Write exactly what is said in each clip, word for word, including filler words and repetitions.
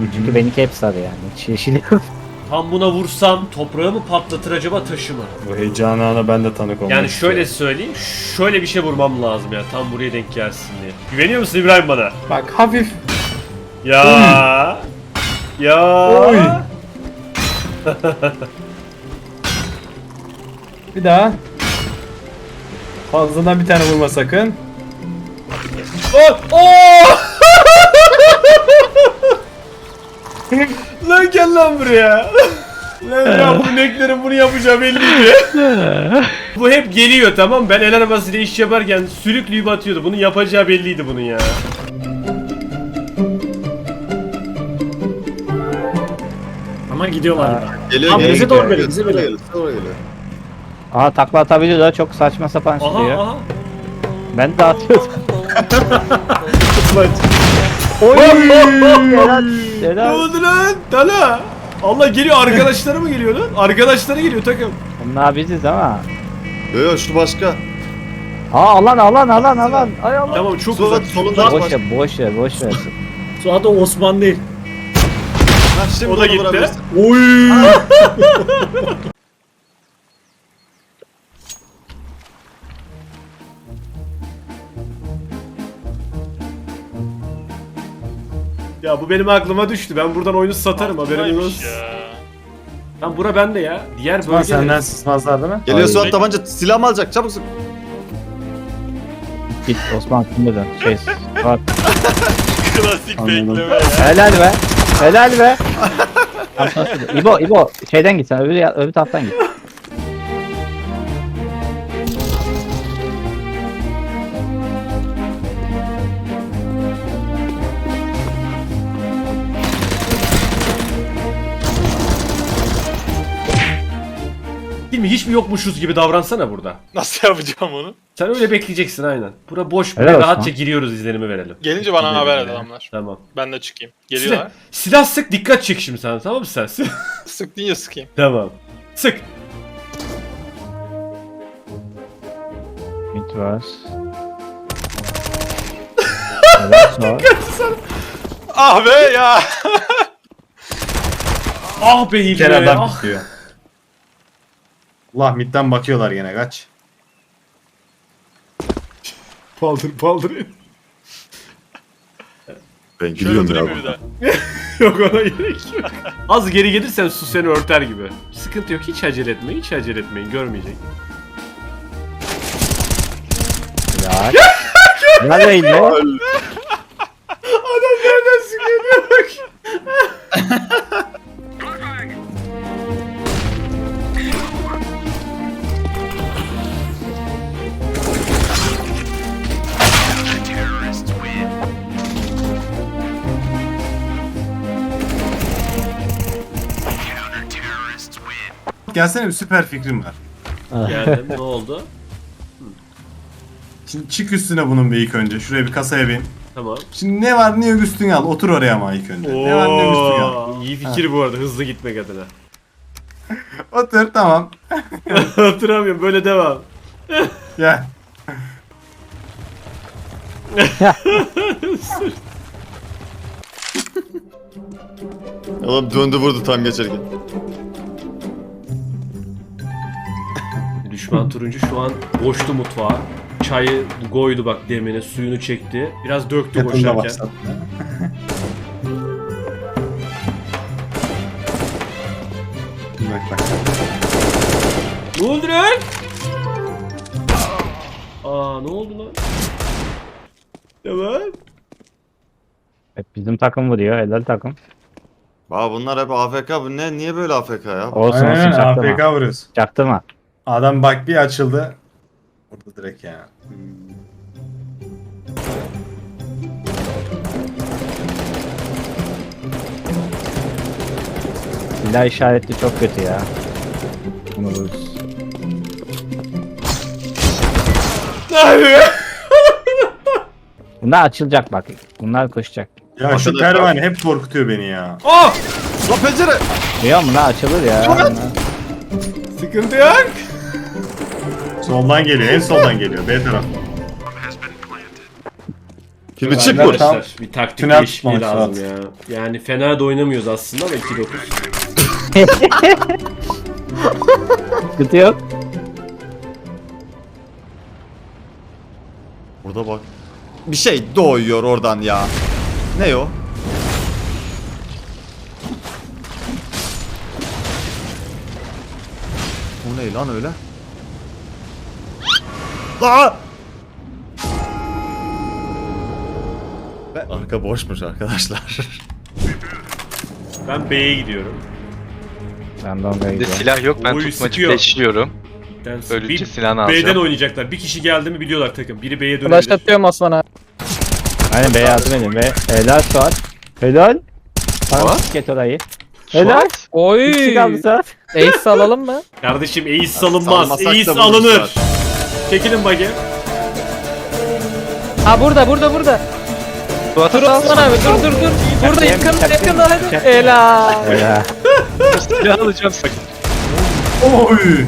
Çünkü benimki hep sarı yani. Hiç yeşil yok. Tam buna vursam toprağı mı patlatır acaba, taşı mı? Bu heyecan ana ben de tanık olmak Yani şöyle istiyorum. söyleyeyim, şöyle bir şey vurmam lazım ya, tam buraya denk gelsin diye. Güveniyor musun İbrahim bana? Bak hafif. Ya. Ya. Oy. Bir daha. Fazladan bir tane vurma sakın. Oh! Oh! Lan gel lan buraya. Lan ya bu ineklerin bunu yapacağı belliydi. Bu hep geliyor, tamam, ben el arabasıyla iş yaparken sürükleyip atıyordu. Bunun yapacağı belliydi bunun ya. Ama gidiyorlar ya. Geliyor, Abi geliyor, bize doğru geliyor, geliyor, bize geliyor, geliyor. bize doğru geliyor. Aha takla atabiliyor da çok saçma sapan Aha sürüyor. aha. Ben de atıyordum. Oy! Helal, Ne helal. oldu lan? Tala. Allah geliyor, arkadaşları mı geliyor lan? Arkadaşları geliyor takım. Bunlar biziz ama. Yo yo şu başka. Aa alan alan alan alan. Ay Allah. Tamam çok Sonra uzak. solunda Boş başka. ver boş ver boş ver. Suat o Osman değil. Ha, şimdi O da onu gitti. vurabilirsin. Oy! Ya bu benim aklıma düştü. Ben buradan oyunu satarım, haberin olsun. Lan bura bende ya. Diğer Osman bölge. senden sızmazlar değil mi? Geliyor Ay. Suat tabanca, silah mı alacak? Çabuk sık. Git Osman kimde dön. Şey bak. Klasik Anladım. bekleme ya. Helal be. Helal be. İbo İbo şeyden git sen öbür, öbür taraftan git. Değil mi? Hiç mi yokmuşuz gibi davransana burada. Nasıl yapacağım onu? Sen öyle bekleyeceksin aynen. Bura boş, Helal buraya olsun. rahatça giriyoruz, izlenimi verelim. Gelince bana haber et adamlar. Tamam. Ben de çıkayım. Silah, Geliyorlar. silah sık, dikkat çek şimdi sen, tamam mı sen? Sık deyince sıkayım. Tamam. Sık. Mid var. Helal sağ. Ah be ya. Ah be Bir Hilmi. kere adam Ah. bitiyor. Allah midden bakıyorlar gene kaç. Paldır paldır. Ben Şöyle gidiyorum oturayım ya. bir de. Yok ona gerek yok. Az geri gelirsen su seni örter gibi. Sıkıntı yok, hiç acele etmeyin, hiç acele etmeyin, görmeyecek. Helal. Helal be İbo. Adam nereden sıkıyor bak. Gelsene bir süper fikrim var. Geldim, ne oldu? Şimdi çık üstüne bunun bir ilk önce. Şuraya bir kasaya bin. Tamam. Şimdi ne var ne yok üstüne al. Otur oraya ama ilk önce. Ne var ne yok üstüne al. Oo, iyi fikir bu arada, hızlı gitmek adına. Otur tamam. Hatırlamıyorum, böyle devam. Gel. Oğlum döndü vurdu tam geçerken. Düşman turuncu şu an boştu mutfağa. Çayı koydu bak demine, suyunu çekti. Biraz döktü Yatında boşarken. başladı. Bak bak. Ne oldu lan? Aa ne oldu lan? Tamam. Hep bizim takım vuruyor. Helal takım. Aa bunlar hep A F K. Bu ne? Niye böyle A F K ya? Olsun Aynen, olsun A çaktırma. F K vuruyoruz. Çaktırma. Adam bak bir açıldı. Burada direkt ya. Silah işaretli çok kötü ya. Bunu vururuz. Bunlar açılacak bak. Bunlar koşacak. Ya şu Arkadaşlar- pervane hep korkutuyor beni ya. Ah! Lan pencere! Diyor mu lan açılır ya. Bunlar. Sıkıntı yok. Soldan geliyor, en soldan geliyor. B taraf. Şimdi çık Ben vur. de tam- Arkadaşlar bir taktik tünel değişikliği tutmak lazım ya. Yani fena da oynamıyoruz aslında ama iki dokuz. Sıkıntı yok. Burada bak. Bir şey doğuyor oradan ya. Ne o? O ne lan öyle? Aa! Ve arka boşmuş arkadaşlar. Ben B'ye gidiyorum. Ben de ondaya Bir de gidiyorum. silah yok, ben Oy, tutmacı sıkıyor. flashliyorum. Ben Böylece bir silahını B'den alacağım. oynayacaklar. Bir kişi geldi mi biliyorlar takım. Biri B'ye Flash dönebilir. atıyorum Osman'a. Aynen B'ye yardım edin be. Helal Suat. Helal. Tamam Suat? ket orayı. Helal. Suat, Oy. Bir kişi kaldı Suat. Ace alalım mı? Kardeşim ace salınmaz. Salmasak da Ace buluruz alınır. zaten. Çekilin bakayım. Ha burada burada burada. Suat'a Dur Osman abi dur dur dur. Burada Çakayım, yakın çakayım, yakın hadi. çakayım. Helal. Helal. silah alacağım. Oy.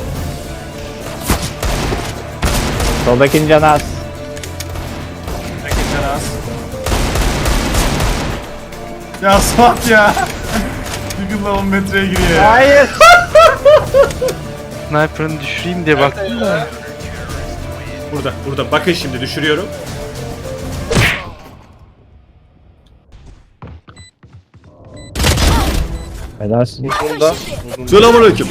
Soldakinin canı az. Ya Suat ya. Google'la on metreye giriyor ya. Hayır. Sniper'ını düşüreyim diye baktım da. Burada, burada. Bakın şimdi düşürüyorum. Helalsin. Selamünaleyküm.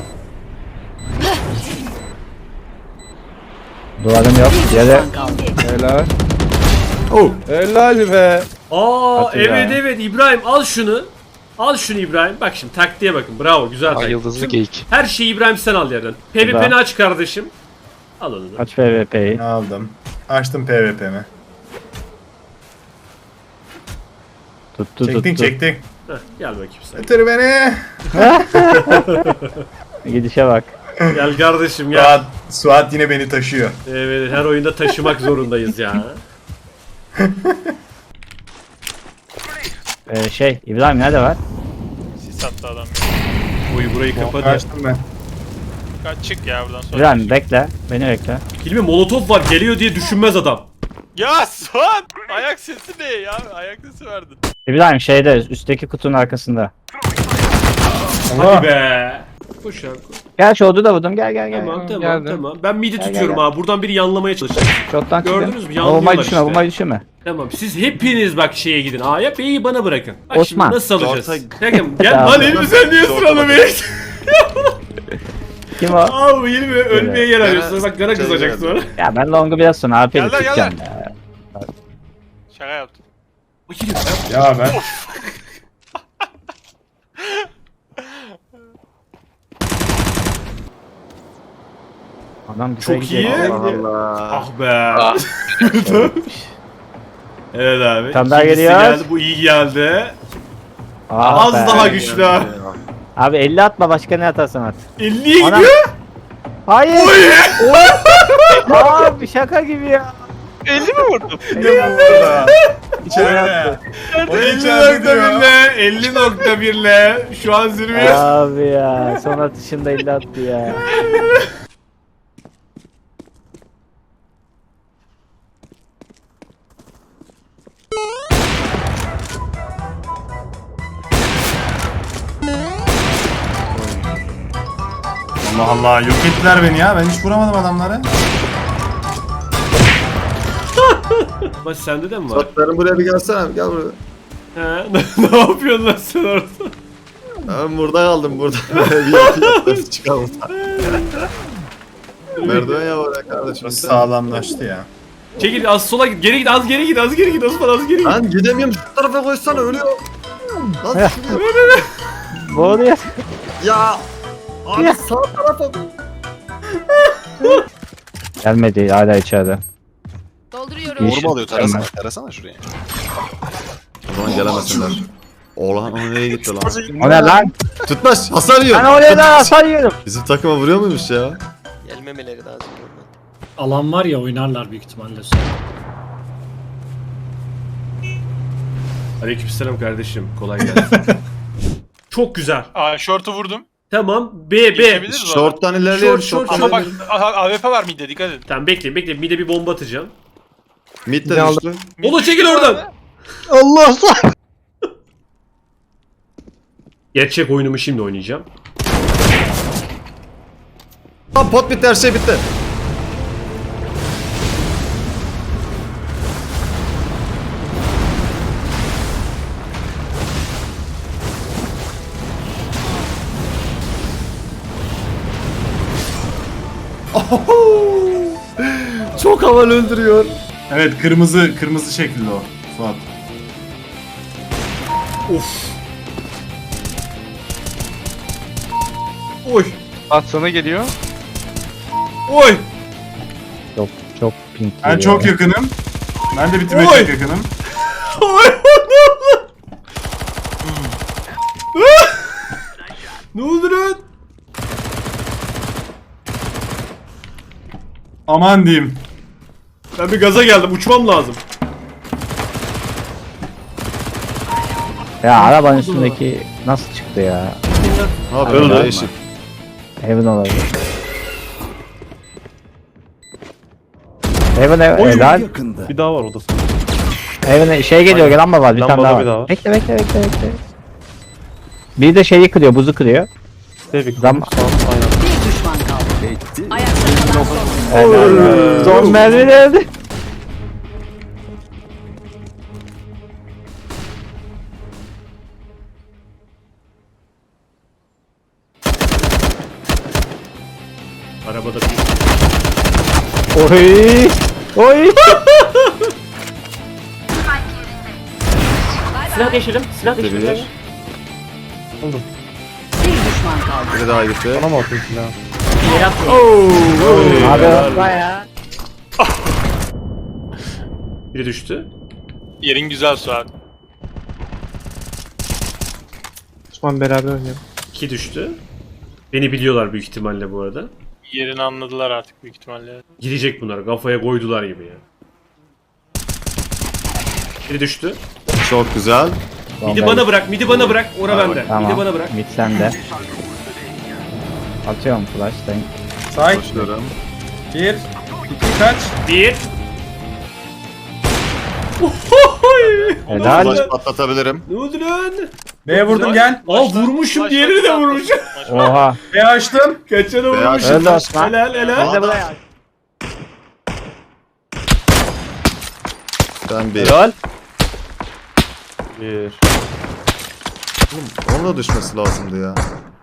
Duvarım yok. Yere. Helal. Oh. Helal be. Aa Hadi evet ya. evet İbrahim al şunu. Al şunu İbrahim. Bak şimdi taktiğe bakın. Bravo güzel Ay taktik. yıldızlı Şimdi geyik. her şeyi İbrahim sen al yerden. P V P'ni aç kardeşim. Al onu da. Aç P V P'yi. Aldım. Açtım P V P'mi. Tuttu Çektin tuttu. çektin. Heh, gel bakayım sen. Götür beni. Gidişe bak. Gel kardeşim gel. Suat, Suat yine beni taşıyor. Evet her oyunda taşımak zorundayız ya. Ee, şey İbrahim nerede var? Sis attı adam. Oy burayı kapadı. Açtım ben. Kaç çık ya buradan sonra. İbrahim bekle. Beni bekle. Hilmi molotof var geliyor diye düşünmez adam. Ya Suat! Ayak sesi ne ya? Ayak sesi verdin. İbrahim şeyde üstteki kutunun arkasında. Hadi be. Koş ya. koş. Gel şu odu da vurdum. Gel gel gel. Tamam tamam geldim. tamam. Ben midi Gel, tutuyorum gel, abi. Buradan biri yanlamaya çalışacak. Şottan Gördünüz çıkın. mü? Yanlıyorlar Bombayı düşürme, işte. bombayı düşürme. Tamam siz hepiniz bak şeye gidin. A'ya B'yi bana bırakın. Bak Osman. şimdi nasıl alacağız? Orta- Bakın gel Tamam. lan Hilmi sen niye sıranı be? Kim o? Abi Hilmi ölmeye yer arıyorsun. Bak gana kızacak Şey sonra. Ya ben longu biraz sonra A P'li Gel lan, gel tutacağım ya. Şaka yaptım. O Hilmi Ya ben. Adam güzel Çok gidiyor. iyi. Allah. Ah be. Evet abi. Tam daha İkincisi geliyor. geldi. Bu iyi geldi. Ah Az be. daha güçlü ha. Abi elli atma başka ne atarsan at. elliye Ana- gidiyor. Hayır. Abi şaka gibi ya. elli mi vurdun? Ne burada? İçeride. O da elli içeride nokta bir diyor. le. elli nokta bir le. Şu an zirveye. Abi ya son atışında elli attı ya. Allah Allah yok ettiler beni ya. Ben hiç vuramadım adamları. Bak sende de mi var? Satlarım buraya bir gelsene. Gel buraya. He? Ne yapıyorsun lan sen orada? Ben burada kaldım burada. bir yapayım çıkalım. Merdiven ya oraya kardeşim. Burası sağlamlaştı ya. Çekil az sola git. Geri git az geri git az geri git Osman az geri git. Lan gidemiyorum şu tarafa koysana ölüyor. Lan şuraya. Bu oluyor. Ya. Abi sağ tarafa. Gelmedi hala içeride. Dolduruyorum. İyi. Vurma alıyor tarasana, tarasana şuraya. O zaman gelemesinler. Oğlan o nereye gitti lan? O ne lan? Tutmaz hasar yiyor. Ben oraya da hasar yiyorum. Bizim takıma vuruyor muymuş ya? Gelmemeleri lazım. Alan var ya oynarlar büyük ihtimalle sonra. Aleykümselam kardeşim. Kolay gelsin. Çok güzel. Aa short'u vurdum. Tamam. B B. Geçebiliriz mi? Short'tan ilerliyorum. Short, short, short'tan Ama bak ilerliyorum. A- A W P var midde dikkat edin. Tamam bekle bekle. Bir de bir bomba atacağım. Mid de Ne aldı? düştü. Olo çekil oradan. Allah. Gerçek oyunumu şimdi oynayacağım. Lan pot bitti, her şey bitti. Çok havalı öldürüyor. Evet, kırmızı kırmızı şekilde o. Suat. Of. Oy. At sana geliyor. Oy. Çok çok pink Ben geliyor. çok yakınım. Ben de bitirmeye Oy. çok yakınım. Oy. Ne oldu lan? Aman diyeyim. Ben bir gaza geldim. Uçmam lazım. Ya arabanın üstündeki nasıl çıktı ya? Abi Öldü. öyle eşit. Heaven olabilir. Heaven ev, helal. Bir daha var odası. Heaven şey geliyor lamba var bir tane Lambada daha bir daha var. var. Bekle bekle bekle bekle. Bir de şeyi kırıyor buzu kırıyor. Tevfik. Zam- Sağ aynen. Bir düşman kaldı. Ayakta kalan son. Helal. Son mermi geldi. Arabada bir... Oy. Oy. Silah değiştirelim. Silah Bir. Bir düşman kaldı. Biri daha gitti. Bana mı atıyorsun ya? Abi baya. Biri düştü. Yerin güzel Suat. Osman beraber oynayalım. İki düştü. Beni biliyorlar büyük ihtimalle bu arada. Yerini anladılar artık büyük ihtimalle. Girecek bunlar. Kafaya koydular gibi ya. Biri düştü. Çok güzel. Midi bana bırak. Midi bana bırak. Ora Hadi bende. Tamam. Midi bana bırak. Mid sende. Atıyorum flash tank. Say. Başlıyorum. Bir. iki kaç? Bir. Helal. Flash patlatabilirim. Ne oldu lan? B'ye vurdum gel. Aa vurmuşum. Diğerini de vurmuşum. Oha. B açtım. Kaçanı Beyaz vurmuşum. Öldü Osman. Helal helal. Hadi buraya. Ben bir. Helal. Bir. Onun da düşmesi lazımdı ya.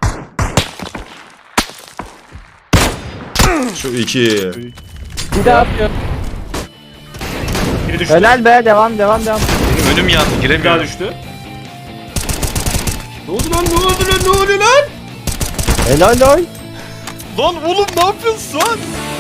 Şu iki. Bir daha atıyor. Biri düştü. Helal be devam devam devam. Önüm yandı Bir daha giremiyorum. düştü. Ne oldu lan? Ne oldu lan? Ne oldu lan? Helal oy. Lan oğlum ne yapıyorsun Suat?